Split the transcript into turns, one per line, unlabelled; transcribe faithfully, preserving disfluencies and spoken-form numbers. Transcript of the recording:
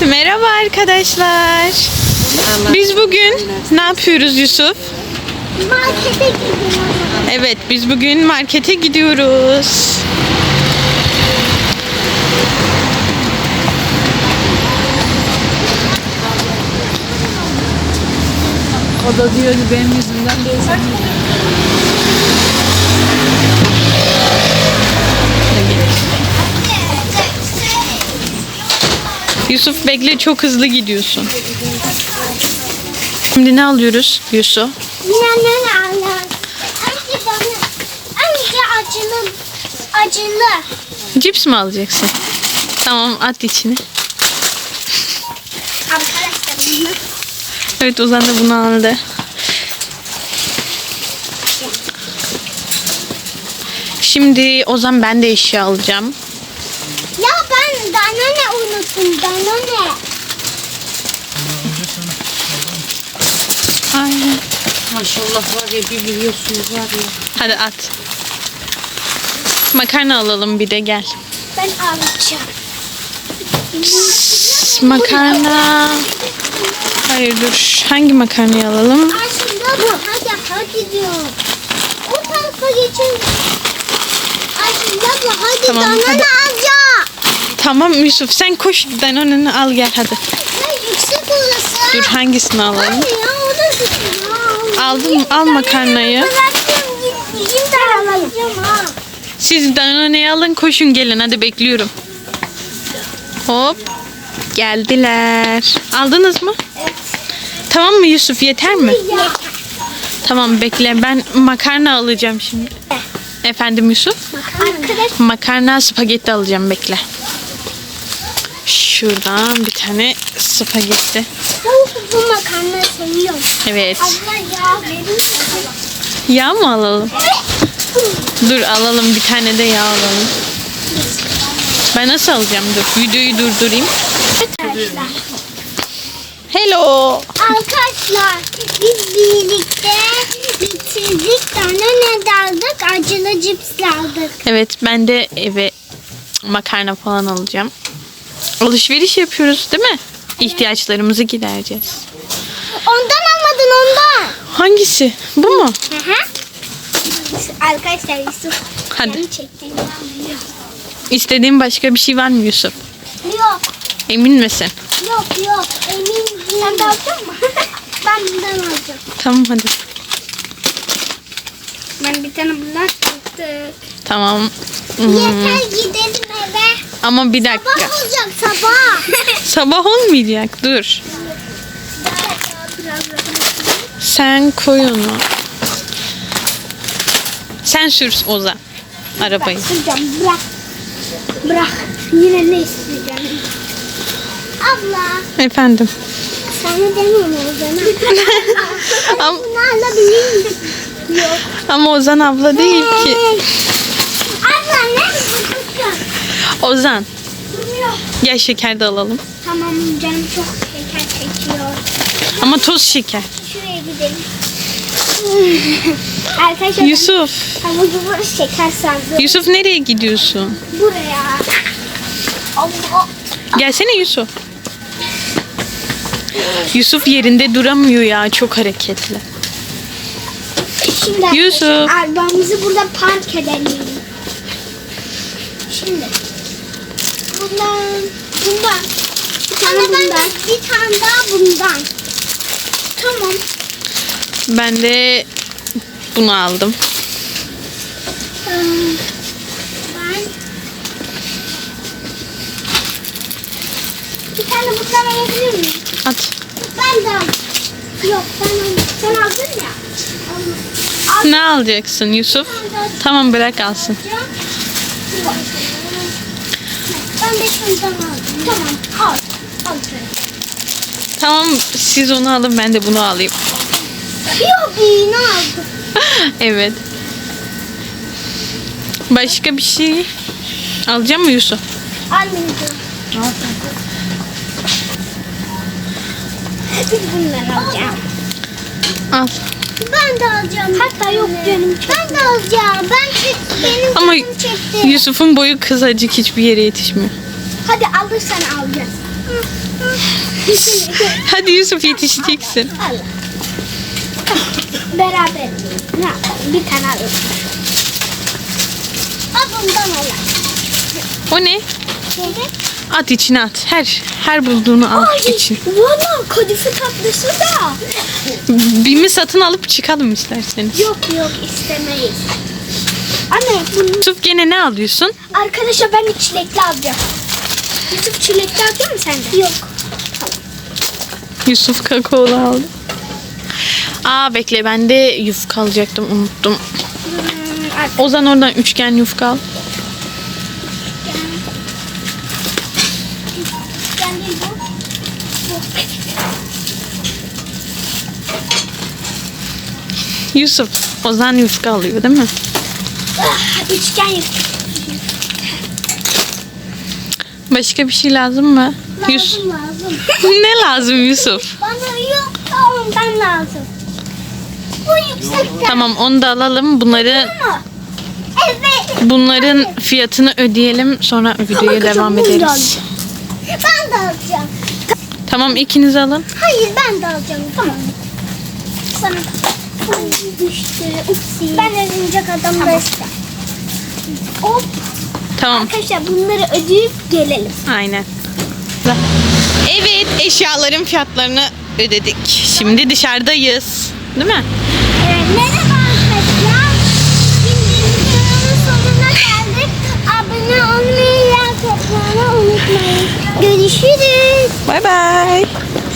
Merhaba arkadaşlar. Biz bugün ne yapıyoruz Yusuf?
Markete gidiyoruz.
Evet, biz bugün markete gidiyoruz.
O da diyordu benim yüzümden değil.
Yusuf bekle, çok hızlı gidiyorsun. Şimdi ne alıyoruz Yusuf?
Ne ne alır? Önce bana, önce acılı, acılı.
Cips mi alacaksın? Tamam, at içine.
Arkadaşlar bunu.
Evet, Ozan da bunu aldı. Şimdi Ozan, ben de eşya alacağım.
Ya ben Danone unuttum, Danone.
Aynen.
Maşallah var ya, bir biliyorsunuz var ya.
Hadi at. Makarna alalım bir de, gel.
Ben alacağım.
Pss, makarna. Hayır dur. Hangi makarnayı alalım?
Aslında bu. Hadi hadi diyorum. O tarafa geçin. Aslında bu. Hadi
Tamam,
Danone
hadi.
alacağım.
Tamam Yusuf, sen koş Danone'ni al gel hadi.
Ya yüksek orası.
Dur, hangisini alalım?
Anne ya o da güzel.
Aldım, al makarnayı.
Bıraktım gideyim ben alacağım ha.
Siz Danone'yi alın, koşun gelin, hadi bekliyorum. Hop. Geldiler. Aldınız mı?
Evet.
Tamam mı Yusuf, yeter mi?
Yeter.
Tamam, bekle, ben makarna alacağım şimdi. Efendim Yusuf?
Arkadaş
Makarna spagetti alacağım, bekle. Şuradan bir tane spagetti.
bu, bu makarna seviyorum.
Evet.
Abla ya verir misin?
Yağ mı alalım? Dur alalım, bir tane de yağ alalım. Ben nasıl alacağım? Dur, videoyu durdurayım.
Arkadaşlar.
Hello.
Arkadaşlar biz birlikte bitirdik. Danone de aldık. Acılı cips aldık.
Evet, ben de eve makarna falan alacağım. Alışveriş yapıyoruz değil mi? İhtiyaçlarımızı gidereceğiz.
Ondan almadın ondan.
Hangisi? Bu mu?
Hı hı. Arkadaşlar Yusuf.
Hadi.
Beni çektiğini anlıyor.
İstediğin başka bir şey var mı Yusuf?
Yok.
Emin misin?
Yok yok. Emin değilim. Sen de alacak mısın? Ben bundan alacağım.
Tamam hadi.
Ben bir tane bundan çıktı.
Tamam. Hmm.
Yeter gidelim eve.
Ama bir dakika.
Sabah olacak sabah.
Sabah olmayacak. Dur. Sen koy onu. Sen sür Ozan arabayı.
Hocam bırak. Bırak. Yine ne isteyeceğim? Abla.
Efendim.
Sana demiyorum Ozan'a.
Ama,
Bunu alabilir miyim? Yok.
ama Ozan abla değil ki.
Abla ne yapıyorsun?
Ozan.
Yok.
Gel şeker de alalım.
Tamam canım çok şeker çekiyor.
Ama toz şeker.
Şuraya gidelim. Arkadaşlar
Yusuf.
ama bu şeker sandım.
Yusuf nereye gidiyorsun?
Buraya. Allah.
Gelsene Yusuf. Yusuf yerinde duramıyor ya, çok hareketli.
Şimdi
Yusuf.
arabamızı burada park edelim. Şimdi. Bundan. Bundan. Bir tane bundan. Bir tane daha bundan. Tamam.
Ben de bunu aldım.
Ee, Ben. Bir tane bundan alabilir miyim?
At.
Ben de aldım. Yok ben aldım. Sen aldın ya. Al.
Ne alacaksın Yusuf? Tamam, bırak alsın.
Ben de şundan aldım. Tamam al. Al şöyle.
Tamam, siz onu alın, ben de bunu alayım.
Yok iğne aldım.
Evet. Başka bir şey alacak mı Yusuf?
Almayacağım. Biz bundan alacağım.
Al.
Ben de alacağım. Hatta yok canım. Ben de alacağım. Ben çek, benim
Ama
canım çekti.
Yusuf'un boyu kısacık, hiçbir yere yetişmiyor.
Hadi alırsan alacağız. Hı, hı.
Hadi Yusuf yetişeceksin.
Allah. Beraber. Ne yapalım? Bir tane alalım. Al bundan alalım.
O ne?
Evet.
At içine at. Her her bulduğunu al
Ay,
için.
valla kadife tatlısı da.
Bir mi satın alıp çıkalım isterseniz.
Yok yok istemeyiz. Anne bunu...
Yusuf gene ne alıyorsun?
Arkadaşlar ben de çilekli alacağım. Yusuf çilekli alacak mısın sen de? Yok.
Yusuf kakaolu aldı. Aa bekle ben de yufka alacaktım unuttum.
Hmm, artık
Ozan oradan üçgen yufka al.
ben değil bu.
Yusuf Ozan yufka alıyor değil mi?
Ah, üçgen yap.
Başka bir şey lazım mı? Yus
Lazım lazım.
ne lazım Yusuf?
Bana yok ondan lazım. Bu yüksekten.
Tamam onu da alalım. Bunları
Ama. Evet.
bunların fiyatını ödeyelim sonra videoya
Arkadaşlar,
devam
bunu da
ederiz.
alacağım. Ben de alacağım.
Tamam ikiniz alın.
Hayır ben de alacağım. Tamam. Sana Ay, düştü. Upsi. Ben örümcek adam da ister. Hop.
Tamam.
Arkadaşlar bunları ödeyip gelelim.
Aynen. Evet eşyaların fiyatlarını ödedik. Şimdi dışarıdayız. Değil mi?
Evet, merhaba arkadaşlar. Şimdi videonun sonuna geldik. Abone olmayı, like atmayı unutmayın. Görüşürüz.
Bay bay.